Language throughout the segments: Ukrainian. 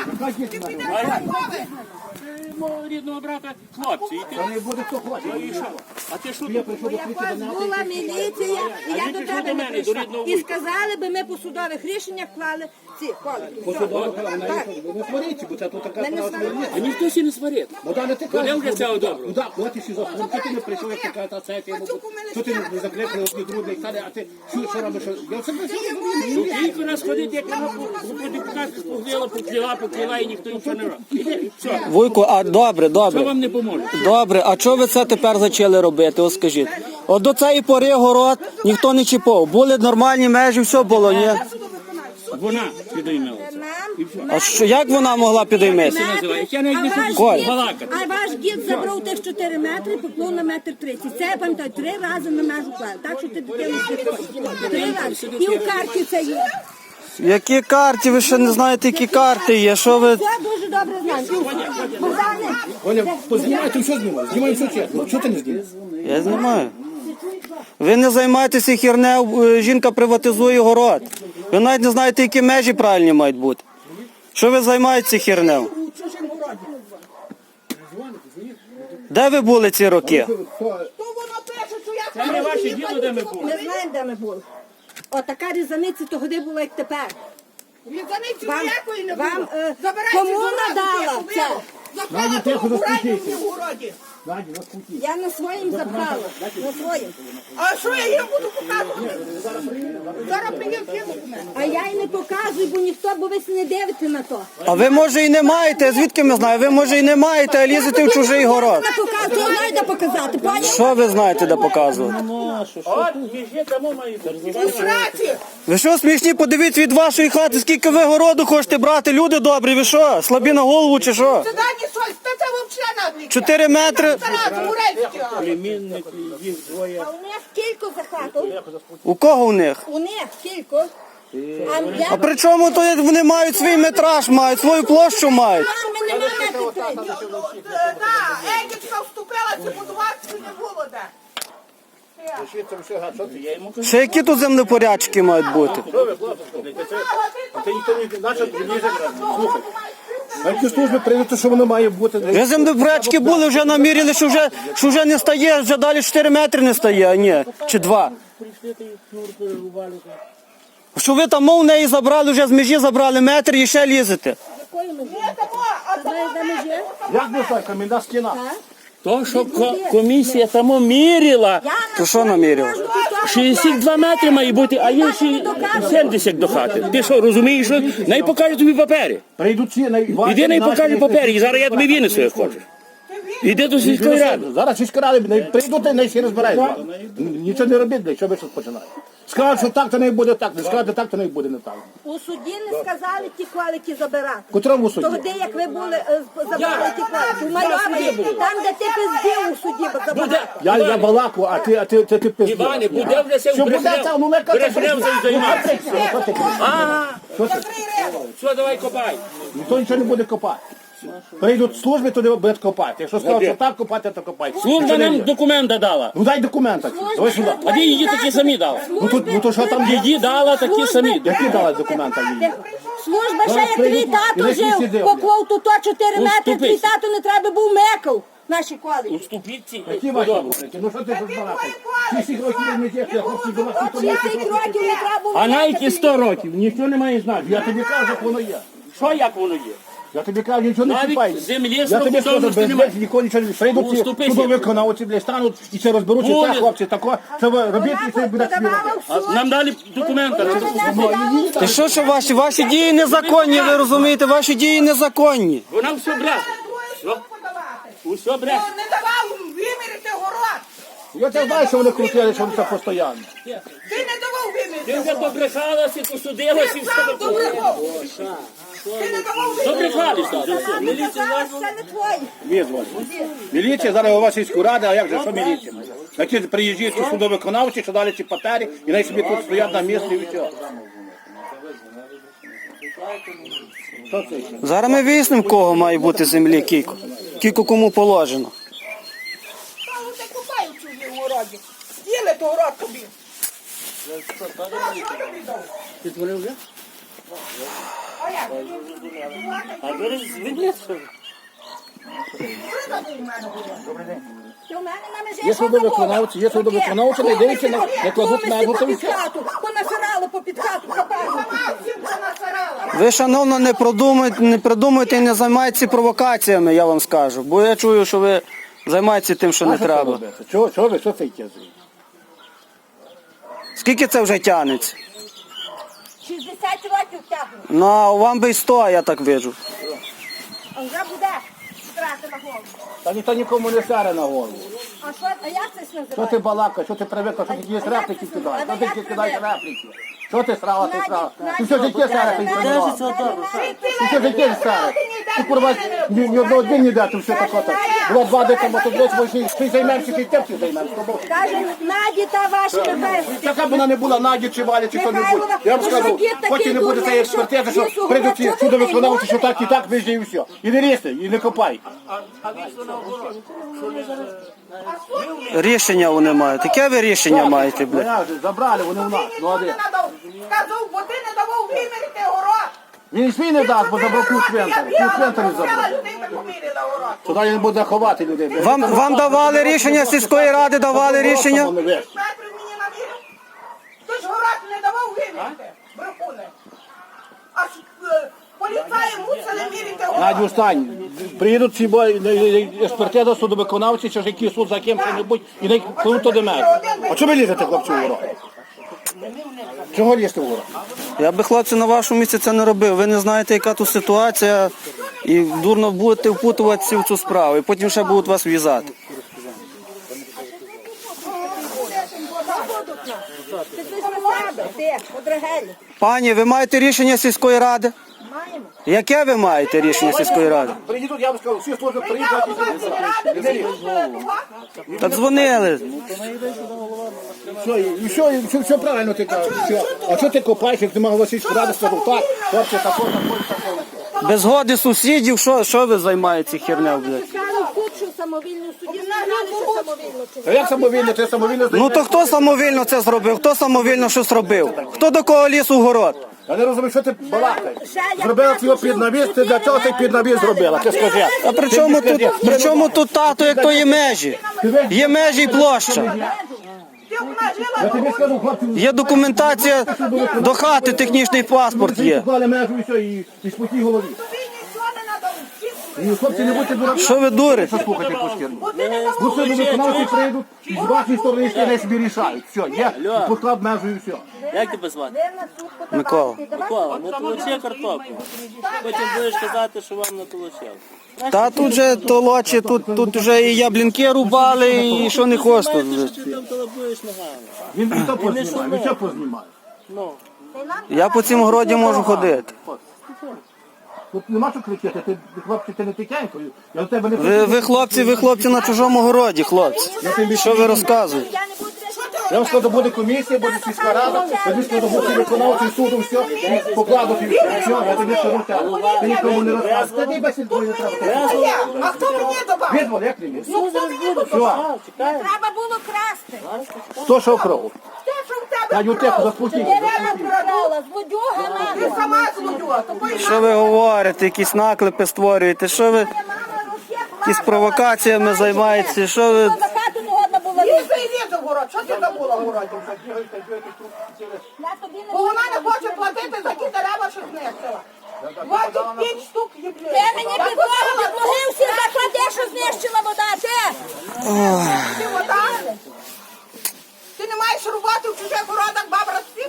Мого рідного брата хлопці. Не буде хто хоче. А ти що? Якось була міліція, і я до тебе не прийшла. І сказали би, ми по судових рішеннях клали ці колики. Не сваріться, бо це тут така справа. А ніхто сі не сварить. Богдане, ти Вони кажеш, вже цього доброго. куди? Куди ти сюди? Що ти не прийшов, як така та сесія? Що ти не закликали одні другі, а ти що робиш? Я все не знаю. Тільки нас ходить, як вона по депутатах покліла, і ніхто нічого не робить. Іди, все. Вуйко, а добре, Що добре. вам не поможе? Добре, а чого ви це тепер почали робити? Ось скажіть. От до цієї пори город ніхто не чіпав. Були нормальні межі, все було, ні? Вона підіймалася. А що, як вона могла підійматися? Я навіть не хочу Коль. балакати. А ваш дід забрав тих 4 метри, поклав на 1,30 м. Це я пам'ятаю, 3 рази на межу клали. Так що ти дитину не 3 рази. І у карті це є. Які карти? Ви ще не знаєте, які карти є? Що ви... Це дуже добре знаємо. Богдане, Оля, познімай, ти що знімаєш? Знімай все чесно. Що ти не знімаєш? Я знімаю. Ви не займаєтеся хернею, жінка приватизує город. Ви навіть не знаєте, які межі правильні мають бути. Що ви займаєтеся хернею? Де ви були ці роки? то воно пише, що я Це не ваше діло, де ми були. не знаємо, де ми були. Отака різаниця тоді була, як тепер. Різаниці Вам, ніякої не вам було. кому надала це? Запхала того бурайку в городі. Надя, розпутіть. Я на своїм запхала. На своїм. А що я їм буду показувати? Зараз приїду всі документи. А я й не показую, бо ніхто, бо ви не дивите на то. А ви, може, і не маєте, звідки ми знаємо? Ви, може, і не маєте, а лізете в чужий город. Не показую, я знаю, де показати. Поняв? Що ви знаєте, де показувати? От, між тому має бути. У сраці! Ви що, смішні, подивіться від вашої хати, скільки ви городу хочете брати, люди добрі, ви що, слабі на голову чи що? Це дані щось, та це взагалі надо. 4 метри, Тарас, Мурецький. Племінники, їх двоє. А у них кілько за хату. у кого у них? У них кілько. А при чому то вони мають свій метраж, мають свою площу мають? Ми не маємо метрів. Так, Едічка вступилася, будуватися не було де. Ще які тут землепорядки мають бути? Ти ніхто не значить, слухай. Які служби прийдуть, що воно має бути? Вже землепорядки були, вже наміряли, що вже не стає, вже далі 4 метри не стає, а ні, чи 2. Що ви там мов неї забрали, вже з межі забрали метр і ще лізете. Знаєш, де ми є? Як би так, камінна стіна? То, що комісія тому міряла, То що наміряли? 62 метри має бути, а є ще 70 до хати. Ти що, розумієш, що? Най покаже тобі папери. Прийдуть ці, Іди най покаже папери, і зараз я тобі винесу, як хочеш. Іди до сільської ради. Зараз сільська рада, прийдуть, і всі розбираються. Нічого не робіть, що ви щось починаєте. Скажуть, що так, то не буде так, не скажуть, так, то не буде не так. У суді не сказали ті квалики забирати. В котрому суді? Тоді, як ви були, забрали ті квалики. У Майорі, там, де ти пиздів у суді, забирали. Я балаку, а ти пиздиш. Іване, буде вже все Що буде це? Ну, не Брехнев займатися. Ага, все, давай копай. Ніхто нічого не буде копати. Прийдуть служби, туди будуть копати. Якщо скажуть, що так копати, то копай. Служба нам документа дала. Ну дай документи. Давай сюди. А де її такі самі дала? Ну то що там є? Її дала такі самі. Які дали документи їй? Служба ще як твій прийдуть, тато і всі жив, сидять. поклав тут 4 метри, Уступись. твій тато не треба був мекав. Наші квалики. Уступіть Які ваші рухи? Ну що ти тут балакаєш? Всі років не ті, я хлопці до вас ніхто не 60 років не треба було. А навіть 100 років, ніхто не має знати. Я тобі кажу, як воно є. Що як воно є? Я тобі кажу, нічого не Навіть чіпай. землі Я тобі срокудовності скажу, без немає. них нікого нічого не прийдуть ці Уступись. судовиконавці, блядь, стануть і це розберуться, Буде. це хлопці, тако, що ви робіть і це буде Подавала співати. в суд. Нам дали документи. Ти що ваші дії незаконні, ви розумієте, ваші дії незаконні. Вона все брехне. Все, усе брехне. Не давав вимірити город. Я це знаю, що вони крутили, що вони це постійно. Ти не давав Ти вимірити. вже побрехалася, посудилася і Ти сам все. добрехав. Ти не давав вимірити. Побрехалися вже все. Це не твої. Визвали. Міліція, зараз у вас сільську раду, а як же, що міліція? Які приїжджають судовиконавці, що дали ці папери, і най собі тут стоять на місці і все. Що це ще? Зараз ми вияснимо, кого має бути землі, кілько кому положено. Та вони купають чужі в городі. Діли то город тобі. Ти творив вже? А А як? А ви звідси? Ти у мене на межі Є що судовиконавці, є судовиконавці, не дивіться, не кладуть межу, то і попід все. хату, понасирали попід хату, хапають. Ви, шановно, не придумуйте і не займайтеся провокаціями, я вам скажу. Бо я чую, що ви займаєтеся тим, що не треба. Чого ви, що це йде? Скільки це вже тягнеться? 60 років тягнуть, Ну, а вам би й 100, я так виджу. а вже буде страти на голову. Та ніхто нікому не сяре на голову. А як це Що називається? ти балакаєш, що ти привикла, що ти якісь репліки кидаєш? Що ти кидаєш репліки? Що ти срала, ти срала? Ти що життя сяре, ти приймала? Ти що життя сяре? Ти, курва, ні одного дня не дати, все таке так. Було 2 дика, бо тут десь ти займаєшся, ти тим займаєшся. Каже, Наді та ваші небесні. Яка б вона не була, Наді чи Валя, чи хто-небудь. Я вам скажу, поки не буде цієї експертизи, що прийдуть ці судовиконавці, що так і так, вижди і все. І не різьте, і не копай. Рішення вони мають. Яке ви рішення маєте, блядь? Мене вже забрали, вони у нас. Ну, а де? Сказав, бо ти не давав вимірити город. Він свій не дасть, бо забрав ключ цвинтар. Ключ цвинтарі забрав. Людей так поміряла город. Туди він буде ховати людей. Вам давали рішення, сільської ради давали рішення? Метрів мені навірив. Ти ж город не давав вимірити, брехуне. Аж поліцаї мусили мірити город. Надю, встань. Приїдуть ці експертиза, судовиконавці, чи ж який суд за ким що-небудь, і не кладуть туди межу. А чого ви лізете, хлопці, в город? Чого лізти в город? Я би, хлопці, на вашому місці це не робив. Ви не знаєте, яка тут ситуація, і дурно будете впутуватися в цю справу, і потім ще будуть вас в'язати. Ти щось на себе, ти, подрагелі. Пані, ви маєте рішення сільської ради? Маємо. Яке ви маєте рішення сільської ради? Приїдуть, я вам скажу, всі служби приїдуть. Та дзвонили. Все правильно ти кажеш. А що ти копаєш, як ти мав Васильську раду, скажу, так, хлопці, такого. Без згоди сусідів, що ви займаєтеся херня, блядь? Писали в суд, що самовільно в суді знали, що самовільно. А як самовільно, ти самовільно Ну то хто самовільно це зробив? Хто самовільно щось робив? Хто до кого ліз у город? Я не розумію, що ти балакаєш. Зробила цього під навіс, ти для чого цей під навіс зробила? Ти скажи. А при чому тут тато, як то є межі? Є межі і площа. Я тобі скажу, хлопці, Є документація до хати, технічний паспорт є. поклали межу і все, і спокій голові. І хлопці, не будьте дураки. Що ви дурите? Слухайте якусь херню. Ну все, ви виконавці прийдуть, і з вашої сторони ще не собі рішають. Все, є, поклав межу і все. Як тебе звати? Микола. Микола, не толочи картоплю. Потім будеш казати, що вам не толочив. Та тут же толочі, тут вже і яблінки рубали, і що не хочеш тут. вже. Ти там толобуєш ногами. Він що познімає, він що познімає. Ну, Я по цім городі можу ходити. Тут нема що кричати, ти, хлопці, ти не тихенько. Я до тебе не Ви хлопці на чужому городі, хлопці. Що ви розказуєте? Я не буду Я вам скажу, буде комісія, буде сільська рада, тоді скажу, буде виконавчий суду, все, і покладуть і все, я тобі скажу так. Ти нікому не розказуєш. Та ти бесід твої не треба. А хто мені давав? Відвол, як не міг? Ну, хто мені давав? Все, Треба було красти. хто що кров? Те, що в тебе Я ютеку заспокійся. Дерева продала, з водюгами. ти сама злодюга. Тобою Що ви говорите, якісь наклепи створюєте? Що ви якісь провокаціями займаєтеся? Що ви... За хату не годна була Ліза лізти. і ліза в город. Що ти забула в городі? Я тобі не Бо вона не хоче платити за ті дерева, що знищила. 25 штук є. Ти мені підлоги всі заклади, що знищила вода, ти! Ти вода? Ти не маєш роботи в чужих городах, бабра всіх?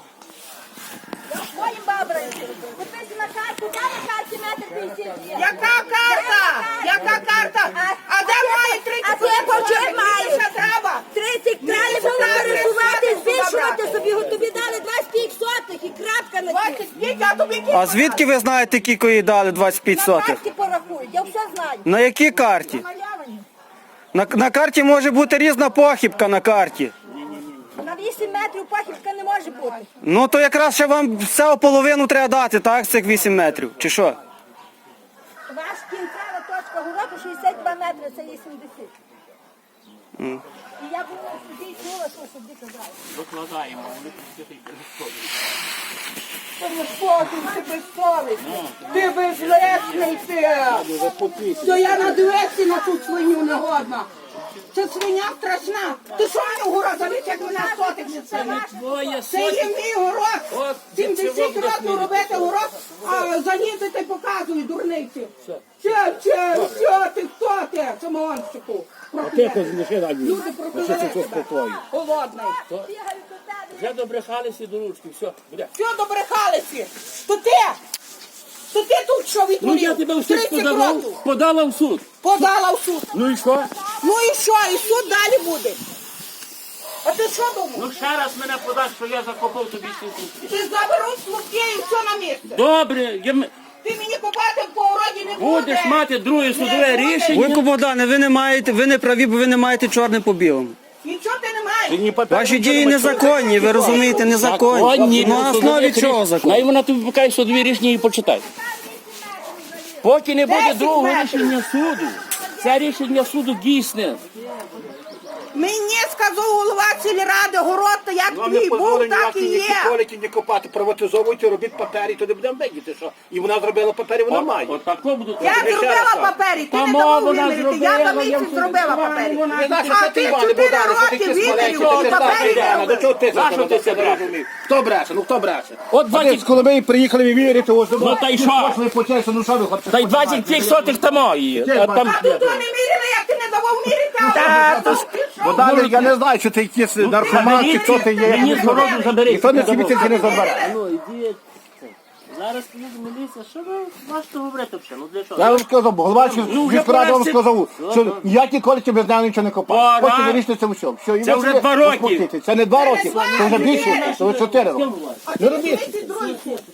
Своїм бабрам. Купити на карту, де на карті метр 50 є? Яка карта? Яка карта? А де має 30 А ти почем маєш? Ще треба. 30 кралі було пересувати, збільшувати собі, тобі дали 25 сотих і крапка на ті. 25, а тобі А звідки ви знаєте, кілько їй дали 25 На сотих? карті порахують, я все знаю. На якій карті? Малявані. На карті може бути різна похибка на карті. На 8 метрів похибка не може бути. Ну то якраз ще вам все половину треба дати, так, з цих 8 метрів, чи що? Ваш кінцева точка городу 62 метри, це є 70. І я була тоді чула, що собі казали. Докладаємо, вони пустити. Ти безподів, ти безсовісний, ти безлесний ти. То я надивився на цю свиню негодна. Це свиня страшна. Ти що мені в город заліз, як мене сотик не це? Це є мій город. 70 років робити город, а заїздити показує дурниці. Що ти, хто ти, самогонщику? Люди проклали тебе. Голодний. Вже добрехалися до ручки, все, буде. Все добрехалися. То ти тут що Ну я відтворив? тебе в суд 30 подавав, років. подала в суд. Подала в суд. Ну і що? Ну і що? І суд далі буде. А ти що думав? Ну ще раз мене подаш, що я закопав тобі ці сутки. Ти заберуть слухи і все на місце. Добре, Ти мені купати по уроді не будеш будеш. мати друге судове рішення. Вуйко Богдане, ви не праві, бо ви не маєте чорне по білому. Нічого ти не маєш. Ваші дії незаконні, ви розумієте, незаконні. Ну, на основі чого закон? Най вона тобі покаже судові рішення і почитай. Поки не буде 10 другого метрів. рішення суду, це рішення суду дійсне. Мені сказав голова сільради, город, як твій був, так і є. Колики не копати, приватизовуйте, робіть папері, то не будемо видіти, що. І вона зробила папері, вона має. Отако будуть. Я зробила папері, ти Та не давав вона вимірити, я за зробила, місяць зробила папері. Не знаєш, А що ти, ти Іване 4 Богдане, що ти роки якийсь маленький, вимірив, ти папері знаєш, не до чого ти За що ти це бреш? Хто бреше? Ну хто бреше? От 20 От коли ми приїхали виміряти, ось Ну, та й що? Пошли по часу, ну що ви хочете? Та й 25 сотих там є. А там... А тут вони міряли, як ти не давав мірити, Та, то ж- Богдане, я не знаю, що ти якийсь наркоман, чи хто ти є. Мені з городу забери. Ніхто не собі тільки не забере. Ну, ідіть. Зараз приїде міліція, що ви можете говорити взагалі? Ну для чого? Я вам сказав, голова Ну, вже міськради вам пора сказав, що ніякі колики без нього нічого не копають. Пора. Потім вирішити це все. Все, і Це ви вже собі 2 роки. успокойтесь. Це не 2 роки, це вже більше, це вже 4 роки. А ти 32 роки.